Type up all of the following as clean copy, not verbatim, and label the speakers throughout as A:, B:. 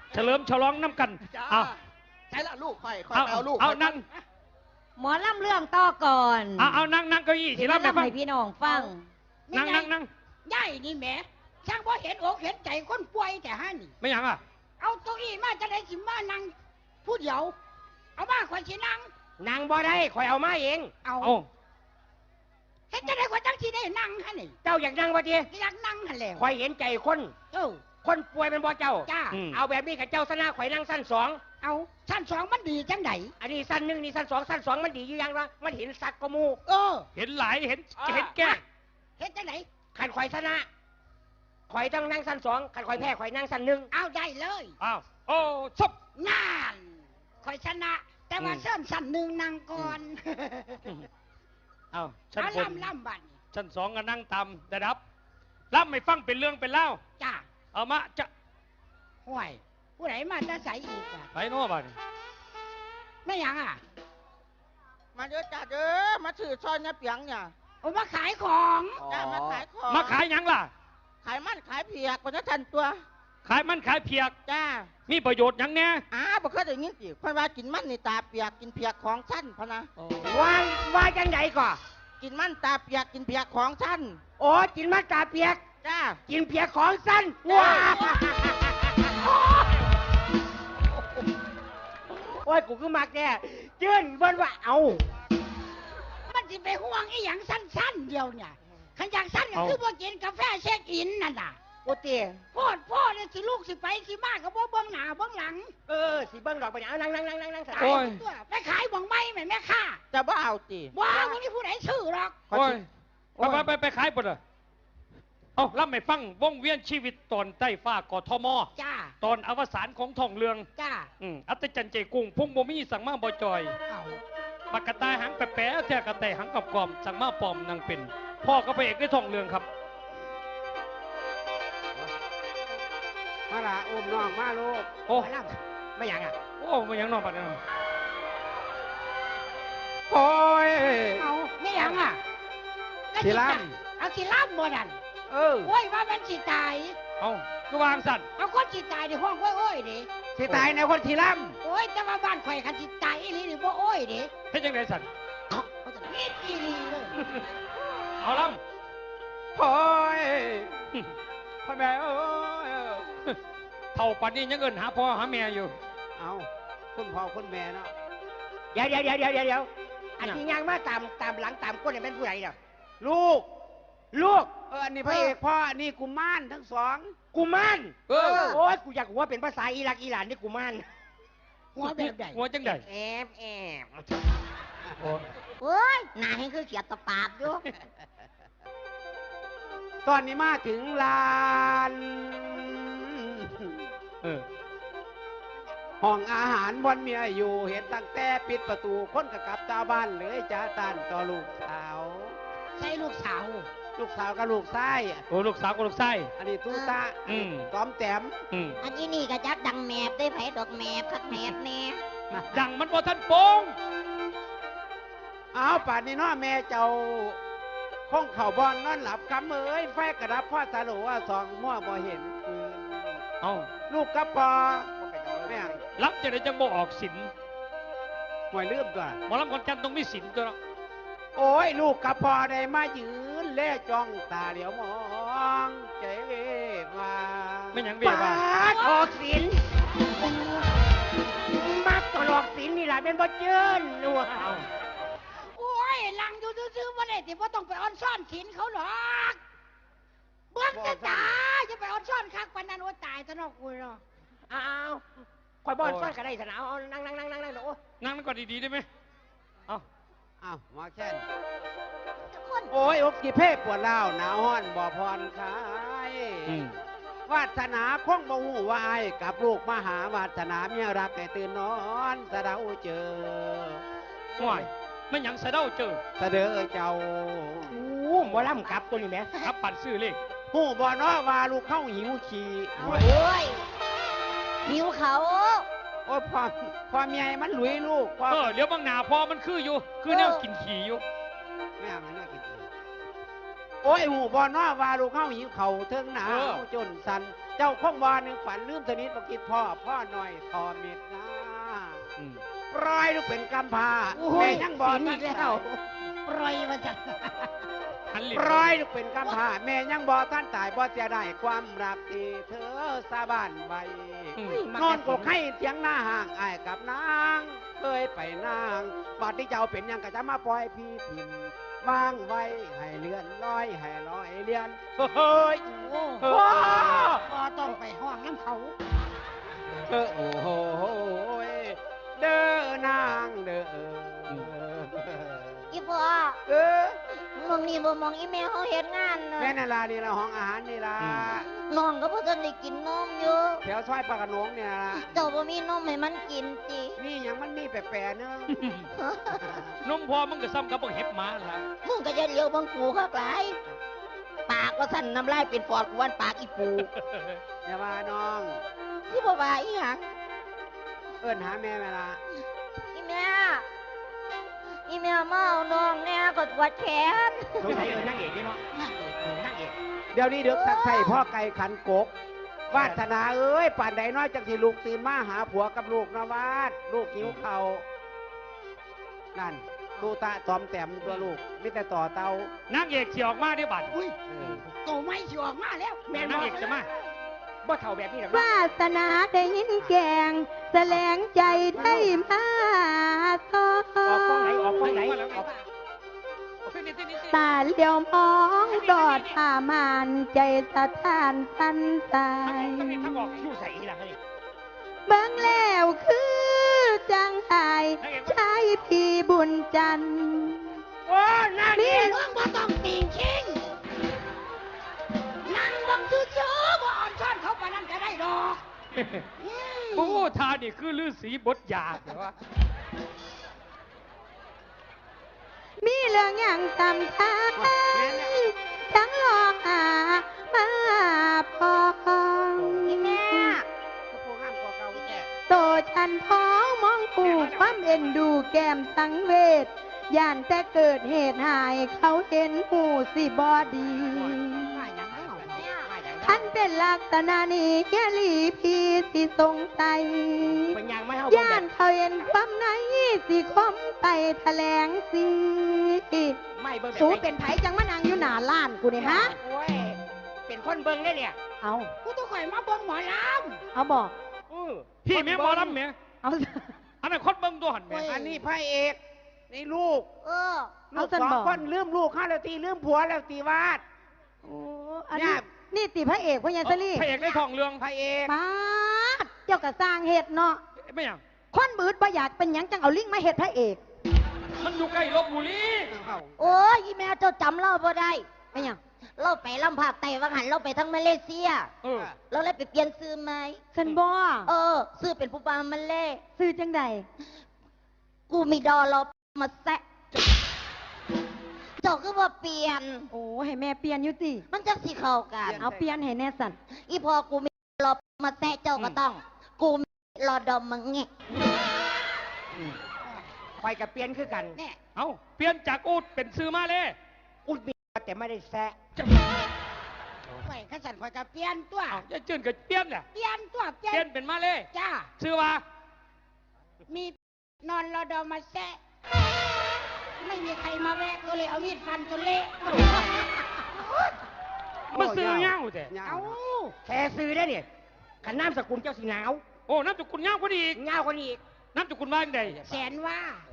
A: เฉลิมฉลองน้ำกันเอา
B: ใช่ละลูกค่อย
A: เอา
B: ลูก
A: เอานั่ง
C: หมอลำเรื่องต่อก่อน
A: เอานั่งเก้าอี้สิรับไปฟัง
C: ให้พี่น้องฟัง
A: นั่ง
D: ใหญ่นี่แหมช่างพอเห็นอกเห็นใจคนป่วยแต่ฮะนี่
A: ไม่ยังอ่ะ
D: เอาตัวอี้มาจะได้สิมานั่งผู้เดียวเอามาข่อยสินั่ง
B: นางบ่ได้ข่อยเอามาเอง
D: เอาเห็นจะได้ข่อยจังสิได้นั่งฮะนี่
B: เจ้าอยากนั่งบ่ที
D: อยากนั่งฮะแล้ว
B: ข่อยเห็นใจคนคนป่วยเป็นบ่เจ้า
D: จ้า
B: เอาแบบนี้กับเจ้าสนะข่อยนั่งสั้นสอง
D: เอาสั้นสองมันดีจังไหน
B: อันนี้สั้นหนึ่งนี่สั้นสองมันดีอยู่ยังวะมันเห็นสักกมู
A: เห็นหลายเห็นแก่
D: เห็นจังไหน
B: ขันข่อยชนะข่อยต้องนั่งสั้นสองขันข่อยแพ้ข่อยนั่งสั้นหนึ่ง
D: เอาได้เลย
A: อ้าวโอ้ซบ
D: งานข่อยชนะแต่ว่าเส้นสั้นหนึ่งนั่งก่อน
A: เอาชั้นบน
D: ล่ำบัน
A: ชั้นสองก็นั่งตามระดับล่ำไม่ฟังเป็นเรื่องเป็นเล่า
D: จ้า
A: เอามาจะ
D: ห่วยผู้ไหนมาจะใส่อีกอ่ะ
A: ไปโน่บ้าน
D: ไม่ยังอ่ะ
E: มาเด้อจ้าเด้อมาถือซอยเนี่ยเปียงเนี่ย
D: โอ้มาขายของ
E: จ้ามาขายของ
A: มาขายยังล่ะ
E: ขายมันขายเพียกคนจะทันตัว
A: ขายมันขายเพียก
E: จ้า
A: มีประโยชน์ยังแน่
E: บ่เคยได้ยินสิเพราะว่ากินมันนี่ตาเปียกกินเพียกของชั้นพะนะ
B: ว่าจังไดก่อ
E: กินมันตาเปียกกินเพียกของชั้น
B: โอ้กินมันตาเปียก
E: จ้า
B: กินเพียกของสั้นว้าโอ้ยกูคือมักแน่จื้นเบิ้นว่าเอา
D: มันสิไปห่วงไอ้อย่างสั้นๆเดียวเนี่ยขันอยากสั้นก็คือพวกกินกาแฟเช็คอินนั่นน่ะ
B: โอ้เตี๋ย
D: พ่อเนี่ยสิลูกสิไปสิมากกับพ่อเบื้องหน้าเบื้องหลัง
B: สิเบิ้งดอกไปเนี่ยนั่ง
D: โอ้ยไปขายบ่งไม้แม่ค่ะ
E: จะบ่เอาจี
D: ว้าวนี่ผู้ไหนชื่อหรอก
A: โอ้ยไปขายปะเด้อเอาล่ำไม่ฟังวงเวียนชีวิตตอนใต้ฟ้ากทม
D: จ้า
A: ตอนอวสานของท่องเรือง
D: จ้า
A: อัตจันเจกุ้งพุ่งบ่มีสั่งมาบ่จอยปากกระต่ายหางแปะแท้กระต่ายหางกรอบสั่งมาปลอมนางเป็นพ่อก็ไปเอกได้ท่องเรืองครับ
B: มาละอุ้มน้องมาลูก
A: โอ้
B: ไม่ยังอ่ะ
A: โอ้ไม่ยังน้องปัดนะ
B: โอ้ย
D: เอาไม่ยังอ่ะ
B: สิล่
D: ำเอาสิล่ำบ่ดันโอ้ยว่ามันสิตาย
A: เอาก็วางสัตว์
D: เอาคนสิตายในห้องโอ้ยดิ
B: สิตายในคนสิล่
D: ำโอ้ยแต่ว่าบ้านข่อยคันสิตายอีหลีนี่บ่โอ้ยดิ
A: เฮ็ดจังได๋สัตว์
D: เขาจะนิดอีหลีเลย
A: เอาล่ำ
B: โอ้ยพ่อแม่โอ้ย
A: เท่าปันนี้ยังเอิ้นหาพ่อหาแม่อยู่
B: เอาคุณพ่อคุณแม่เนาะเดี๋ยวอันที่ยังมาตามหลังตามก้นเนี่ยเป็นผู้ใหญ่เนาะลูกอันนี้พระเอกพ่ออันนี้กุมารทั้งสองกุมารโอ้ยกูอยากหัวเป็นภาษาอิรักอิหร่านนี่กุมาร
D: หัวแบบใหญ่
A: หัวจังใหญ่
D: แอบโอ้ยหน้าให้คือเขียดตะปาบอยู่
B: ตอนนี้มาถึงลานห้องอาหารบนเมียอยู่เห็นตั้งแต่ปิดประตูคนกับตาบ้านเลยจ้าตานต่อลูกสาว
D: ใช่ลูกสาว
B: กับลูกไส้
A: โอ้ลูกสาวกับลูกไส้
B: อันนี้ตู้ตาต้อมแต้ม
D: อันนี้นี่ก็จักดังแมบได้ไผดอกแมบคักแมบแน่
A: ดังมันบ่ทันโปง
B: เอาป่านนี้เนาะแม่เจ้าห้องเข่าบอลนอนหลับคำเอ้ยไฟกระดับพ่อสารุว่าสองมั่วบ่เห็น
A: เอา
B: ลูกกับพอแม่
A: รับจะได้จังบ่ออกสิน
B: หวยลืมตัว
A: หมอลำคนจันต้องมีสินตัวเนาะ
B: โอ้ยลูกกับพ่อได้มายืนเล่จ้องตาเหลียวมองใจเวมา
A: ไม่ยังเวมา
B: ออกสินมาตลอกสินนี่แหละเป็นบ่เจิ้นนัว
D: โอ้ยลังอยู่ซื้อๆว่าได้ที่ว่าต้องไปออนซ่อนสินเขาหรอกเบื้องจะตาจะไปออนซ่อนคักปานนั้นโอ้ตายซะเนาะกูเนาะ
B: อ้าวคอยบอนซ่อนกันได้สนามนั่งโอ้
A: นั่งก่อนดีๆได้ไหม
B: อ้าวมาแค่โอ้ยอกกี่เพ่ปวดเล่าหนาวห้อนบ่พรคายวาสนาคงบ่หูวายกับลูกมหาวาสนาเมียรักให้ตื่นนอนสะเดาเจอ
A: ห่วยไม่ยังสะเดาเจอ
B: สะเดอเจ้าบ่ล่ำกับตัวนี้ไหม
A: ครับปั่นซื้อเลข
B: หูบ่เนาะว่าลูกเข้าหิวขี่
D: โอ้ยหิวเขา
B: โอ้ยพอเมียมันหลุยลูก
A: เดี๋ยวบางหนาพอมันคืออยู่คือแนวกินขี่อยู่
B: แม่มันน่ากินขี่โอ้ยหูบ่เนาะว่าลูกเข้าหิวเข่าเทิงหนาวจนสันเจ้าคงวาหนึ่งฝันลืมสนิทบอกกิดพ่อหน่อยทอเม็ดนะ
A: อืม
B: ปล่อยลูกเป็นกำพร้า
D: โอ้
B: แม่
D: ย
B: ยังบอก
D: ศีลอีกแล้วปล่อยมาจาก
A: หันหลิ
B: ปล่อยลูกเป็นกำพร้าแม่ยังบอกท่านตายบ่เสียได้ความรักที่เธอสาบานไว้
A: อืม
B: นอนกกให้เถียงหน้าห่างไอ้ายกับนางเคยไปนางบาดที่เจ้าเป็นหยังก็จะมาปล่อยพี่พิมพ์วางไว้ให้เลื่อนลอยให้ลอยเลื่อนเฮ้ย
D: โอ้
B: โอ้
D: ก็ต้องไปห้องน้ำเขา
B: โอ้โหเด้อนางเด้อ
C: อีพ่อ
B: เออ
C: มองนี่บ่มองอีแม่เขาเฮ็ดงานเนาะ
B: แม่นาลานี่ละห้องอาหารนี่ละ
C: น้องก็บ่ทันได้กินนมอยู่
B: แถวซอยปากกระโหนงเนี่ยละ
C: เจ้าบ่มีนมให้มันกินติ
B: นี่ยังมันมีแปลกๆเนึง
A: นมพอมึงก็ซ้ำกับพวกเห็บหมาล่ะ
C: มึงก็จะเลี้ยวบังกูคักหลายปากก็สั่นน้ำลายเป็นฟอดกวนปากอีปู
B: อย่าว่าน้อง
C: ที่บ่ว่าอีหยัง
B: เอิ้นหาแม่เวลา
C: อีแม่อีแม่มาเอาน้องแน่ก็ปวดแขน
B: สงสัยนั่งเอกนี่เนาะเดี๋ยวนี้เด็กสักใส่พ่อไก่ขันกก วาสนาเอ้ยป่านใดน้อยจังสิลูกตื่นมาหาผัวกับลูกนะวาด ลูกหิวเขาวนั่นตูตะตอมแต้มตัวลูกมิแต่ต่อเตาน
A: างเอกสิออกมาได้บัด
D: อุ้ย
B: เออ
D: โตไม่สิออกมาแล้ว
A: แม่นางเอกจะมา
B: บ่เท่าแบบนี้หรอก
F: วาสนาได้ยินแกงแสลงใจได้มาสอ
B: ออกกล้องไหน
F: ง
B: ออกกล้องไหน
A: มาแล้ว
B: ออก
F: ตาเดียวมองดอดผ่ามานใจสะท้านสันตาย
A: ทั้งออกอยู่ใส่อีหลังนี่
F: เบิ่งแล้วคือจังไห้ชายพี่บุญจันทร์
B: โอ้นางเอ
F: นี่
B: ก
D: มึงบ่ต้องติงชิงนั่งบังซื่อๆบ่อ่อนช้อนเขาปานนั้นจะได้ดอก
A: โอ้ทานี่คือฤาษีบทยาแต่ว่า
F: มีเรื่องอย่างตำท้ายทั้งหลอกหามาพอ
C: อีแม่
B: ก็พวกห้ามกว่าเก่าแก่
F: โตฉันพ้องมองผูกความเอ็นดูแก้มสังเวชย่านแต่เกิดเหตุหายเขาเห็นหูสิบอดี
D: ว่าหยังเนาะ
F: ท่านเป็นลักษณะนี้แค่ลีพีสิสงสัย
B: เป็นยังไม่เท่า
F: ย่านเขาเห็นความในสิคมไปแถลงสิ
B: ไม่เบิ่ง
F: สูเป็นไผจังมานางอยู่หน้าล้านกูนี่ฮะ
B: โอ้ยเป็นคนเบิ่งได้เนี่ย
F: เอา
D: กูต้องคอยมาเบิ่งหมอล
F: เอาบอก
A: พี่แม่หมอลำแม่
F: เอา
A: อันนั้นคนเบิ่งตัวหันแม่
B: อันนี้พระเอกนี่ลูก
C: เออ
B: ลูกสองคนลืมลูกข้าแล้วตีลืมผัวแล้วตีวาด
F: โอ้อัน
B: เนี่
F: นี้
B: ย
F: นี่ติพระเอกพญาสลี
A: พระเอกในทองเรือง
B: พระเอก
F: ป้าดเจ้ากะสร้างเหตุเนาะ
A: ไม่หยัง
F: คนบืดบ่อยากเป็นหยังจังเอาลิงมาเฮ็ดพระเอก
A: มันอยู่ใกล้ลบบุรี
C: โอ้ยอีแม่เจ้าจำเราบ่ได้
F: เป็นหยัง
C: เราไปลำภาคใต้ว่าหันเราไปทั้งมาเลเซีย
A: เออ
C: เราเลยไปเปลี่ยนซื้อไหม
F: ฉันบ่
C: เออ ซื้อเป็นผู้ปามันเล่
F: ซื้อจังใด
C: กูมีดอเรามาแซะเจ้าก็ว่าเปลี่ยน
F: โอ้ให้แม่เปลี่ยนอยู่ติ
C: มันจะสิเข้ากัน
F: เอาเปลี่ยนให้แน่สัน
C: อีพอกูมีรอมาแซะเจ้าก็ต้อง กูมีรอดอมมังเงะ
B: ไปกับเปลี่ยนคือกัน
D: ำเนี่ย
A: เอาเปลี่ยนจากอูดเป็นซื้อมาเลย
B: อุดมีแต่ไม่ได้แซะ
D: ไปขันสันคอยกับเปลี่ยนตัว
A: เอาจะจืนกับเปลี่ยนแหละ
D: เปลี่ยนตัวเปลี่
A: เป
D: ย
A: ลี่ย
D: น
A: นเป็นมาเลย
D: จ้า
A: ซื้อว่า
D: มีนอนรอดอมาแซะไม่มีใครมาแวะก็เลยเอามีดฟันจนเละ
A: มันซื้อเงาแต่
D: เอา
B: แค่ซื้อได้เนี่ยขันน้ำสกุลเจ้าสีหนาว
A: โอ้น้ำจุกุลเงาพอดีอีก
B: เงาคนอีก
A: น้ำจุกุลว่าจังใด
D: แสนว่า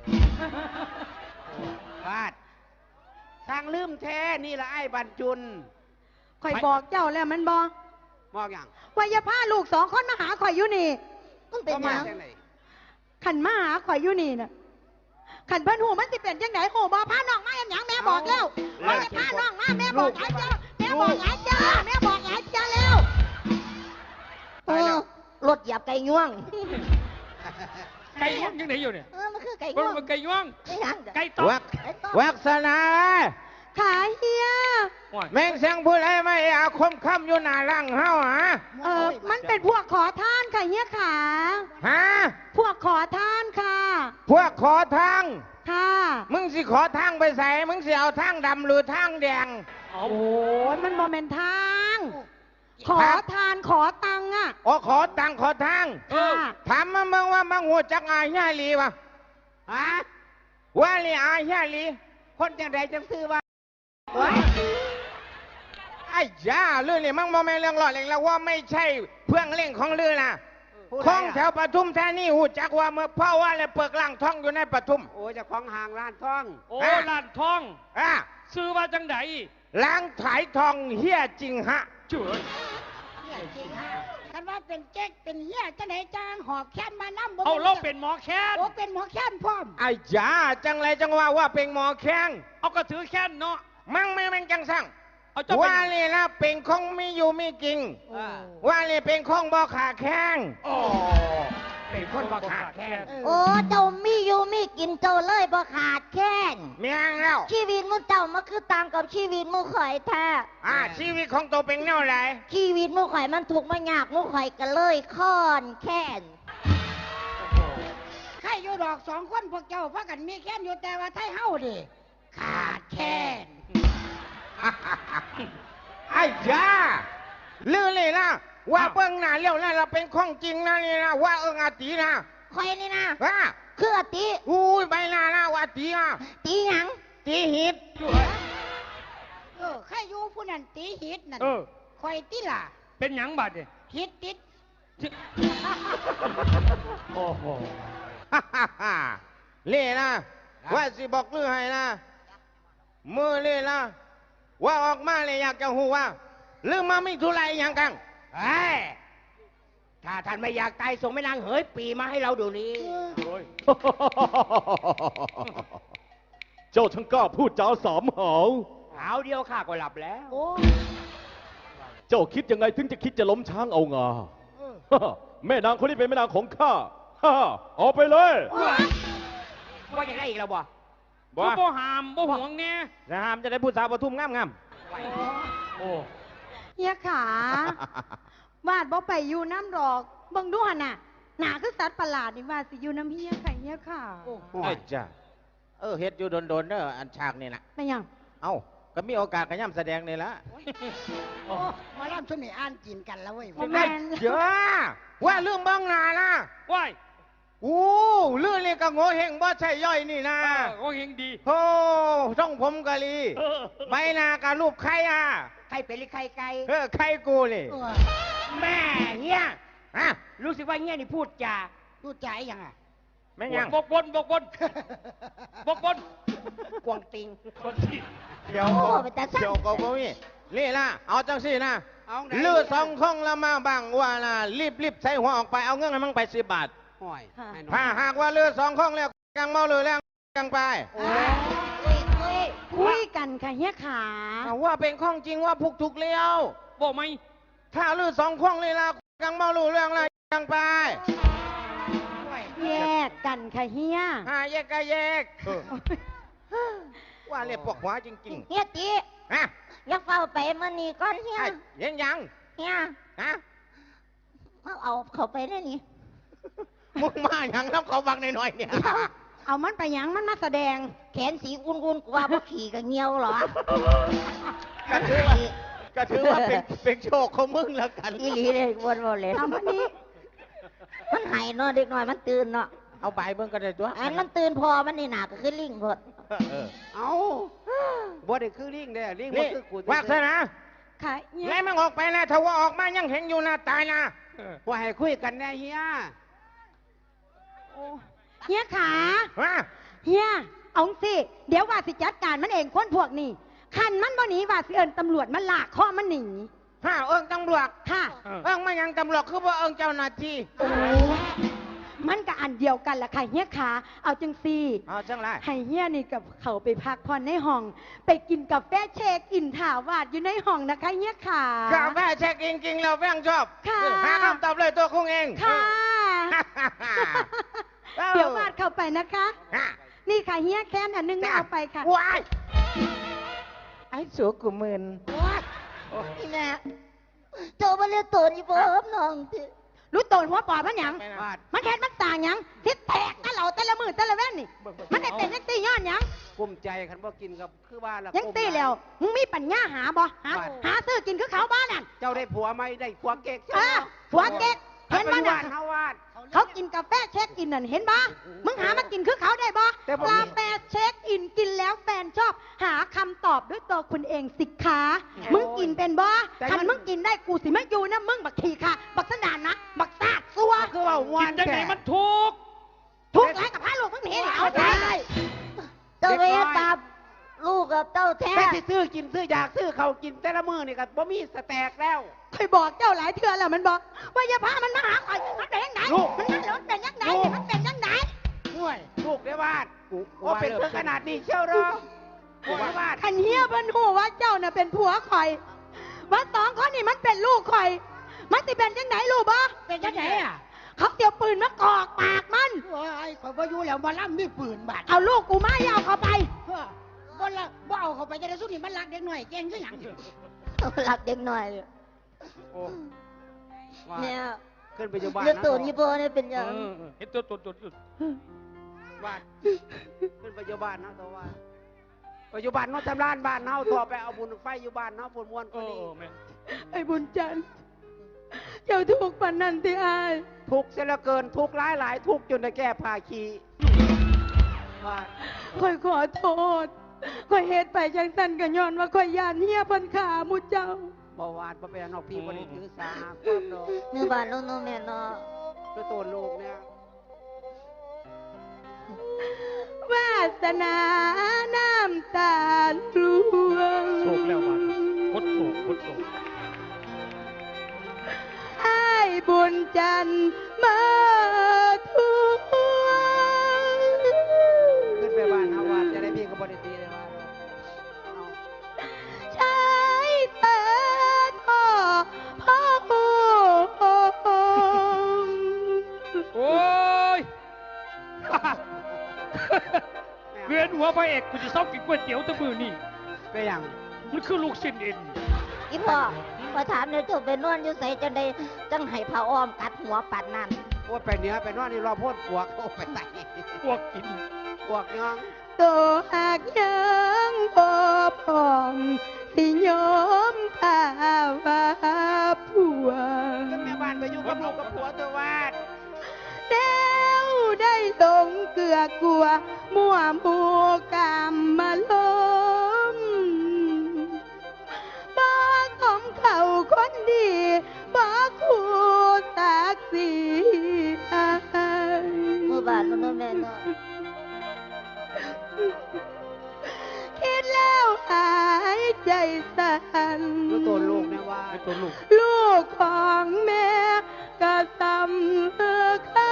B: วาดทางลืมแท้นี่ละไอ้บรรจุน
F: ข่อยบอกเจ้าแล้วมันบ่
B: มองอย่าง
F: ว่าอย่าพาลูก2คนมาหาข่อยอยู่นี่
C: มันเป็น
B: ก็
C: ห
B: มา
C: ยัง
B: จากไหน
F: ขันมาหาข่อยอยู่นี่น่ะขันเพิ่นหูมันสิเป็นจังไดโหบ่พาน้องมาอย่างหยังแม่บอกแล้วว่าอย่าพาน้องมาแม่บอกหลายเจ้าแม่บอกหลายเจ้าแม่บอกหลายเจ้าแล้ว
C: เออรถเหยียบไก่ง่วง
A: ไก่ย่วงยังไหนอยู่เนี่ย
C: เออ มันคือไก่
A: มัน
C: ง่วง
A: เป็นไก่ย่วง
C: ไม่หยังเด้อ
A: ไก่ตอก
C: ไก่ต้ม
G: วักษณา
F: ขายเฮีย
A: โอ้ย
G: แม่งเสียงพูดอะไรไม่อาคมค่ำอยู่หน้าร่างเฮาฮะ
F: มันเป็นพวกขอทานค่ะเฮียขา
G: ฮะ
F: พวกขอทานค่ะ
G: พวกขอทาง
F: ค่ะ
G: มึงสิขอทางไปใส่มึงสิเอาทางดำหรือทางแดง
A: เอา
F: โอ้ยมันโมเมนทางขอทานขอตังค์อ่ะ
G: โอ้ขอตังขอทาง
F: ค่ะ
G: ถามมาเมืองว่ามังหัวจักอายย่าลีวะ
B: ฮะ
G: ว่าลีอายย่าลี
B: คนจังใดจังซื้อว่า
G: ไอ้ย่าเรื่องนี้มังมองไม่เรื่องหลอดเองแล้วว่าไม่ใช่เพื่องเล่งของเรือนะ
B: ผู้ใด
G: ของ
B: อะ
G: แถวปทุมแท้นี่หูจักว่าเมื่อพ่อว่าเลยเปิกล่างท้องอยู่ในปทุม
B: โอ้เจะของห่างร้านท่อง
A: โอ้
G: ฮะ
A: ล้านทอง
G: อ่ะ
A: ซื้อว่าจังได
G: ล้างถ่ายทองเฮี้ยจริงฮะ
A: เจ๋ย
D: เนี่ยจริงฮะคันว่าเป็นเจ๊กเป็นเหี้ยจังไหนจางหอบแค้นมานั่บ่
A: เอาเราเป็นหมอแค้น
D: โอ้เป็นหมอแค้นพร้อม
G: ไอ้ย่าจังไรจังว่าเป็นหมอแข้ง
A: เอาก็ถือแค้นเนาะ
G: มั่งไม่แม่งจังสั่ง
A: เอาเจ้าเป็
G: ว่าน เลยนะเป็นของไม่อยู่ไม่จริง ว่าเลยเป็นของบ่ขาแข้ง
A: โอ้เป็นคนบ่ขาดแค้น
C: โอ้เจ้ามีอยู่มีกินเจ้าเลยบ่ขาดแค้น
G: เมียงแล้ว
C: ชีวิตมูเจ้ามันคือต่างกับชีวิตมูข่อยแท้
G: ชีวิตของตัวเป็นแนวไร
C: ชีวิตมูข่อยมันถูกข์มันยากมูข่อยก็เลยค้อนแค้น
D: ใครอยู่ดอกสองคนพวกเจ้าพากันมีแค้นอยู่แต่ว่าไทยเฮาดิขาดแค้น
G: ไอ้ย่าลือเลยนะว่าเปิ้งหน้าเลี้ยวนะเราเป็นของจริงนะนี่นะว่าอาตีนะ
C: ข่อยนี่นะ
G: ว่า
C: คืออติ
G: อุ้ยใบหน้านะว่าตีอ่ะ
C: ตีหยัง
G: ตีหิด
D: ใครอยู่ผู้นั้นตีหิตนั่น
A: เออ
D: คอยติล่ะ
A: เป็นหยังบัดเนี่ย
D: หิตติด
A: โอ้โห
G: เล่นะว่าสิบอกลือให้นะมือเล่นะว่าออกมาเลยอยากจะหูว่าลือมาไม่ทุไรอย่างกัน
B: เฮ้ยถ้าท่านไม่อยากตายส่งแม่นางเหยปีมาให้เราดูนี้
A: โอ้ย
H: เจ้าช่างกล้าพูดจาสามหาว
B: หาวเดียวข้าก็หลับแล้ว
D: โอ้
H: เจ้าคิดยังไงถึงจะคิดจะล้มช้างเอางา แม่นางคนนี้เป็นแม่นางของข้า ฮ่าออกไปเลย
B: ว่าอย่างไรอีกแล้วบ่
A: บ่บ่หามบ่ห่วงเนี่ย
G: นะฮามจะได้พูดสาวปทุมงาม
A: โอ้
F: เฮียขาวาดบ่ไปอยู่น้ำดอกเบิ่งดูหั่นน่ะหนาคือสัตว์ประหลาดนี่ว่าสิอยู่น้ำเฮียค่ะเฮียค่ะ
G: ๆไอ้จ้าเฮ็ดอยู่โดนเด้ออันฉากนี่นะ
F: ไม่หยัง
G: เอ้าก็มีโอกาสขย่ำแสดงนี่ละ
D: โอ้มาล่ำชุดนี้อ่านจีนกันแล้วเว้ย
F: บ่แม่น
G: เจ้าว่าเรื่องบ้องนานะ
A: ว้าย
G: อู้เรื่องนี้ก็โง่เฮงบ่ใช่ย่อยนี่นะ
A: โอ้เฮงดี
G: โอ้ช่องผมกะลี
A: เออ
G: ใบหน้ากับรูปใครอ่ะ
B: ใครเป็นหรือใครไกล
G: ใครกูเลย
B: แม่เงี้ย
G: ฮะ
B: รู้สึกว่าเงี้ยนี่พูดจา
D: รู้ใจยังอ่ะ
G: แม่งยัง
A: บกบนบกบนบกบน
B: กวางติง
A: คนที่
G: เดี๋ยว
C: โอ้ไปแต่สั่ง
G: เดี๋ยวก็มีนี่นะเอาจังสินะ
B: เอาไหน
G: เลือดสองข้องละมาบังว่านะรีบใส่หัวออกไปเอาเงินให้มันไป10 บาท
B: ห่วย
F: ค่ะ
B: ให้หน่อย
G: ถ้าหากว่าเลือดสองข้องแล้วกังเมาเลยแล้วกังไป
C: คุยคุย
F: คุยกันค่ะเฮียขา
G: เอาว่าเป็นข้องจริงว่าพุกถูกเลี้ยว
A: บ่ไหม
G: ถ้าเลือดสองข้องเลยละกังเมารู้เรื่องแล้วกังไป
F: แยกกันค่ะเฮีย
G: แยกก็แยกว่าเรียกปวกหัวจริง
C: เฮียติ
G: ๆฮะ
C: อย่าเฝ้าไปมื้อนี้ก่อนเฮีย
G: ยัง
C: เฮีย
G: ฮะ
C: เอาเข้าไปได้นี่
G: มึงมาอย่างน้ำเขาบังหน่อยๆเนี่ย
F: เอามันไปหยังมันมาแสดง
C: แขนสีอุ่นๆกว่าบ่ขี่ก็เหี่ยวเหรอ
G: ก็ถือว่าเป็นโชคของมึงแล้วกัน
C: อีหลีเลยวนๆเลย
F: เอามันนี้
C: มันหายเนาะเด็กน้อยมันตื่นเนาะ
G: เอาใบเบิ่งก็ได้ตัว
C: อันมันตื่นพอมันนี่หนาก็คือลิงหมด
B: เอาบ่ได้คือลิงเด้อลิงบ่
G: นี่
B: คือกู
G: ว่าซะนะ
F: ค่ะเฮีย
G: แล้วมันออกไปแล้วถ้าว่าออกมายังเห็นอยู่นะตายนะ
B: ว่าให้คุยกันแน่เฮีย
F: เฮียขา
G: ว่า
F: เฮียเอาสิเดี๋ยวว่าสิจัดการมันเองคนพวกนี้คันมันบ่หนีว่าสิเอิญตำรวจมันลากคอมันหนี
G: ถ้าเอิงตำรวจ
F: ค่ะ
G: เอิงมายังตำรวจคือว่าเอิงเจ้าหน้าที่
F: มันก็อันเดียวกันแหละค่ะเฮียขาเอาจังซี่
G: เอาจังไร
F: ให้เฮียนี่กับเขาไปพักผ่อนในห้อง ไปกินกาแฟเชคอินถาวาดอยู่ในห้องนะคะเฮียขาก
G: าแฟเช็คจริงๆเราแป้งชอบ
F: ค่ะ
G: หาคำตอบเลยตัวคงเอง
F: ค่ะ
G: เอ้า
F: เดี๋ยววาดเข้าไปนะคะ
G: ฮะ
F: นี่ค่ะเฮียแค้นอันนึงไม่เอาไปค่ะ
G: ว้ายไอ้สัวกูมึน
C: นี่แม่เจ้ามาเรียกตัวนี่เพิ่มน้องติ
F: รู้โตนหัวปอดมันหยัง
B: วาด
F: มันแทนมันต่างหยังทิศแตกนั่นเหล่าแต่ละมือแต่ละแว่นนี่ มันได้เป็นนักตีย้อนหยัง
B: กุ้มใจคันบ่กินกับคือว่าละ
F: ยัง
B: กุ้ม
F: ตี
B: หาย
F: แล้วมึงมีปัญญาหาบ่หา
B: ว่า
F: หาซื้อกินคือเขาบ้านนั่น
B: เจ้าได้ผัวไหมได้ผัวเก๊ก
F: เออผัวเก๊กเห็นบ้าน
B: บ้า
F: นั่
B: น
F: น
B: เฮาวาด
F: เขากินกาแฟเช็คอินนั่นเห็นบ่มึงหามากินคือเขาได้บ่
B: แต่ผม
F: กาแฟเช็คอินกินแล้วแฟนชอบ หาคำตอบด้วยตัวคุณเองสิคะมึงกินเป็นบ่คันมึงกินได้กูสิไม่อยู่นะมึงบักขี้ค่ะ บักสนานนะบักซาดซัว
B: คือว่ามว
A: กิ
B: น
A: นจังไหน
B: แท้
A: มันถูก
F: ทุกข์ไรกับพระลูกมึงหนีนี่เอาใจ
C: เจ้าไปเฮ็ดบาปลูกกับเจ้าแท้
B: แม่สิซื้อกินซื้ออยากซื้อเขากินแต่ละมื้อนี่ก็บ่มีสแต็กแล้ว
F: เคยบอกเจ้าหลายเทื่อแล้วมันบอกว่าอย่าพามันมาหาข่อยมันเป็นยังไง
B: ลูก
F: มันนั่นแล้วมันเป็นยังไง
B: ลูก
F: มันเป็นยังไง
B: ห่วยลูกได้วาดว่าเป็นเพื่อขนาดนี้เชียวเหรอลูกได้วาด
F: ขันเฮียเพิ่นหูว่าเจ้าน่ะเป็นผัวข่อยว่าสองคนนี่มันเป็นลูกข่อย มันสิเป็นยังไงลูกบ่
D: เป็นจังไหนอ่ะ
F: เขาเตียวปืนมากอกปากมัน
D: โอ้ยข่อยบ่อยู่แล้วบ่ล่ำมีปืนบาด
F: เอาลูกกูมาอย่าเอาเขาไป
D: เฮ้อบ่ละบ่เอาเข้าไปจะได้สู้นี่มันรักเด็กหน่อยเก่งคือหยัง
C: หลักเด็กหน่อย
B: โอ้ว่า
C: เนี่ย
B: ขึ้นไปอยู่บ้าน
C: เรื่อง
B: นะ
C: ตัวนี้พอเนี่ยเป็นยัง
A: เห็นตัว
B: วาดขึ้นไปอยู่บ้านนะตัวว่าไปอยู่บ้านเนาะทำร้านบ้านเฮาตัวไปเอาบุญไฟอยู่บ้านเนาะปุ่นมวน
A: เอ
B: ก็ดี
A: อแม่
F: ไอ้บุญจันทร์เจ้าถูกปันนันที่อาย
B: ทุกข์เสียเหลือเกินทุกข์หลายทุกข์จนได้แก้ผ้าคีวาด
F: ข่อยขอโทษข่อยเฮ็ดไปจังสันกันย้อนว่าข่อยยานเฮียเพันขาหมุเจ้า
B: บ่วาดบ่เป็นนอกพี่บ่ได้ถือสาหาความดอก
C: เนื้อบานลูกน้องแม่เนาะ
B: คือตัวลูกเนี่ย
F: วาสนาน้ำตาลลวง
A: โศกแล้วบาดพดโศก
F: ไอ้ายบุญจันทร์มาทวง
B: ขึ้นไปบ้านเฮาวาดจะได้พี่ก็บ่ได้ตีเลยว่าเอา
F: ใช้แต่ท่อพ่อหู
A: โอ้ย เวียนหัวพระเอกกูจะเศร้ากินก๋วยเตี๋ยวแตะมือนี่
B: ไปอย่าง
A: มันคือลูกชิ้นเอ็น
C: อีพ่อมาถามเนี่ยเจ้าไปนอนอยู่ใส่จังใดจังให้พระอ้อมกัดหัวปัดนั่น
B: ว่าไปเหนือไปนอนนี่รอพ่นปวกโอ้ไปใส่
A: พวกกิน
B: ปวกยัง
F: ตัวหากยังบ่พร้อมสิยอมข้าว่าผัว
B: ขึ้นแม่บ้านไปอยู่กับลูกกับผัวตัววาด
F: แล้วได้ลงเกลือกลัว มั่วหมูกามมาล้มบ้าของเขาคนดีบ้าคู่ตักสีอาย
C: เมื่อบานลูกน้องแม่เนาะ
F: คิดแล้วหายใจสั่น
B: ดูตัวลูกเนี่ยว่า
A: ไอ้ตัวลูก
F: ลูกของแม่ก็สำคั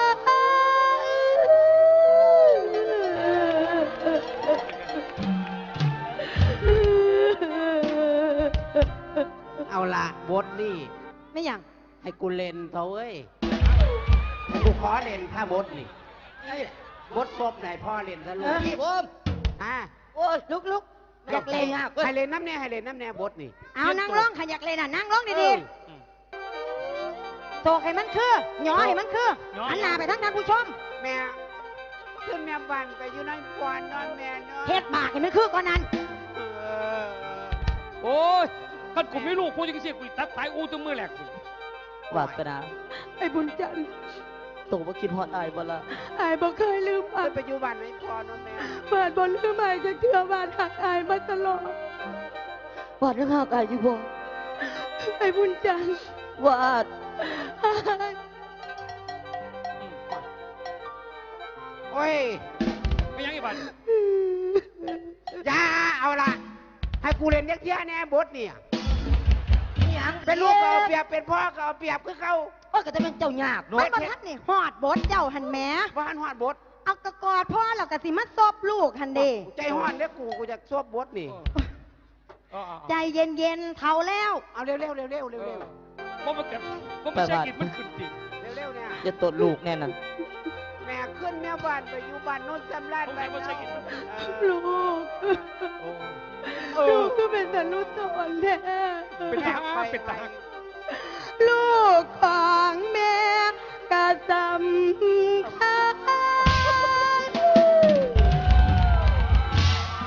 F: ญ
B: เอาละบทนี่
F: ไม่อย่าง
B: ให้กูเล่นเถอะเว้ยให้กูขอเล่นถ้าบทนี่บทศพไหนพ่อเล่นซะลูก
D: พี่ผม
B: อ่ะ
D: โอ้ยลุกอยากเล่นอ่ะ
B: ให้เล่นน้ำแน่ให้เล่นน้ำแน่บทนี่
F: เอานั่งร้องขยักเลยน่ะนั่งร้องดีๆโศกให้มันคือหยอให้มันคือหันหน้าไปทั้งท่านผู้ชม
B: แม่ขึ้นแม่บ้านไปอยู่ในกวนนอนแม่เนาะ
F: เฮ็ดบากให้มันคือก่อนนั้น
B: เออ
A: โอ้ยคันกูไม่ลูกพูดจังซี่กูตัดสายอูตัวมือแหลกกู
E: วาสนา
F: ไอ้บุญจันทร์
E: ตัวบ่คิดฮอดอายบ่ละ
F: อายบ่เคยลืม
B: ขึ้นไปอยู่บ้านในพ่อนอนแม่
F: เปิดบนลืมอายจะเทื่อบานหักอายมาตลอด
C: วาดยังหากายอยู่บ่
F: ไอ้บุญจันทร์
C: วาด
B: โอ้ย
A: ไม่ยังอีบัน
B: อย่าเอาละให้กูเล่นเด็กเที่ยแน่บทเนี่ย
C: ยัง
B: เป็นลูกก็เอาเปรียบเป็นพ่อก็เอาเปรียบคือเขา
C: โอ้ยก็จะเป็นเจ้ายาก
F: มันบ่ทันนี่ฮอดบทเจ้าหันแหม
B: ว่าหันหอดบท
F: เอากระกอดพ่อแล้วก็สิมาซบลูกหันเด้
B: ใจห้อนเด้อกูจะซวบบทนี่
F: ใจเย็นๆเท่าแล้ว
B: เอาเร็วๆเร็วๆเร็วๆเร็ว
A: เพราะมันเกิดเพราะมันใช่กินมันขึ้นติ
B: ๆเร็วๆเนี่ย
E: อย่าตัวลูกแน่นั่น
B: แม่ขึ้นแม่บ้านไปอยู่บ้านโน้นจำราดไป
A: มัน
B: เนาะ
A: ใช่กิน
F: ลูก
A: โอ้
F: ลูกก็เป็นแต่ลูกตนแท้
A: เป็นทหารเป็นทหาร
F: ลูกของแม่ก็สำคัญ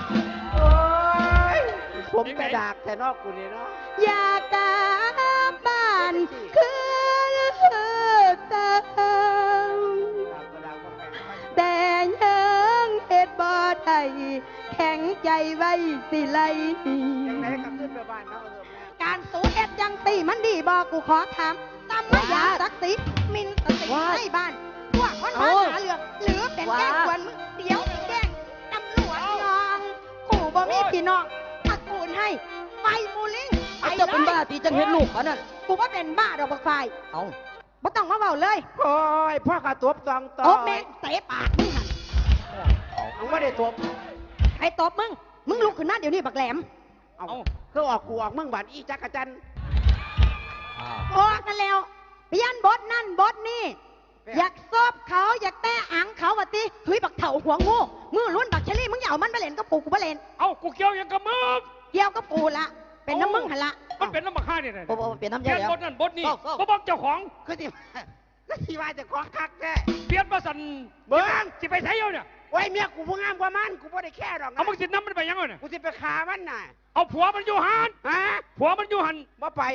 A: งไหน
B: แต่ดากแต่นอกกูนี่เนาะ
F: อยากกลับบ้านคือเติม
B: ดากก็ดากบ่แม่น
F: แต่ยังเฮ็ดบ่ได้แข็งใจไว้สิไล
B: ยังไงก็ขึ้นไปบ้านเนาะเออแม่
F: การสูเฮ็ดจังตีมันดีบ่กูขอถามตำมายาศักดิ์ศรีมินสติให้บ้านพวกคนมาหาเรื่องหรือเป็นแกล้งกวนมึงเดี๋ยวสิแกล้งตำรวจน้องกูบ่มีพี่น้องตระกูลให้ไปมูลิงไป
E: เอา
F: เล
E: เจ้าเป็นบ้าย ตีจังเห็นลูกเขานั่น
F: กูว่าเป็นบ้าดอกบักไฟ
E: เอา
F: บ่ต้องมาเว้าเลย
B: โอ้ยพ่อกระตบตองต่อ
F: โอ้แม่งเตะปากมึงหัน
B: มึงไม่ได้ตบ
F: ไอ้ตบมึงลุกขึ้นมาเดี๋ยวนี้บักแหลม
B: เอาคือออกกูออกมึงบัดอีจักรจันทร์
F: ออกกันแล้วเปลี่ยนบทนั่นบทนี่อยากซบเขาอยากแตะอังเขาวะติเฮ้ยบักเถ่าหัวงูมือล้วนบักเชลี่มึงอย่าเอามันไปเล่นกับปูกูไปเล่น
A: เอากูเกี่ยวยังกับมึง
F: เกี่ยวกับปูละเป็นน้ำมึงหันละ
A: มันเป็นน้ำมาฆ่าเนี่ยนะ
E: โอ้โหเปลี่ยนน้ำ
A: เป
E: ใจ
A: ลี่ยน
E: แล้ว
A: บทนั่นบทนี่
E: เศร้า
A: บ่บอกเจ้าของ
B: คือที่ก็ที่ว่าจะของคักแท้
A: เปลี่ยนมาสั่น
B: เบิ้ง
A: สิไปใช้เอาเนี่ย
B: ไว้เมียกูผู้งามกว่ามันกูไม่ได้แค่หรอกนะ
A: เอามึงสิน้ำมันไปยังไงเนี่ย
B: กูจะไปฆ่ามันน่ะ
A: เอาผัวมันอยู่หัน
B: ฮะ
A: ผัวมันอยู่หัน
B: บ่ไป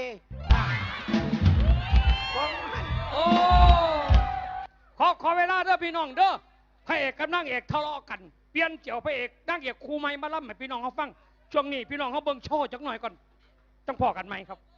B: บ่มัน
A: โอ้ขอเวลาเด้อพี่น้องเด้อพระเอกกับนางเอกทะเลาะกันเปลี่ยนเกี่ยวพระเอกนางเอกครูใหม่มาล่ำให้พี่น้องเขาฟังช่วงนี้พี่น้องเขาเบิ่งโชว์จักหน่อยก่อนต้องพอกันไหมครับ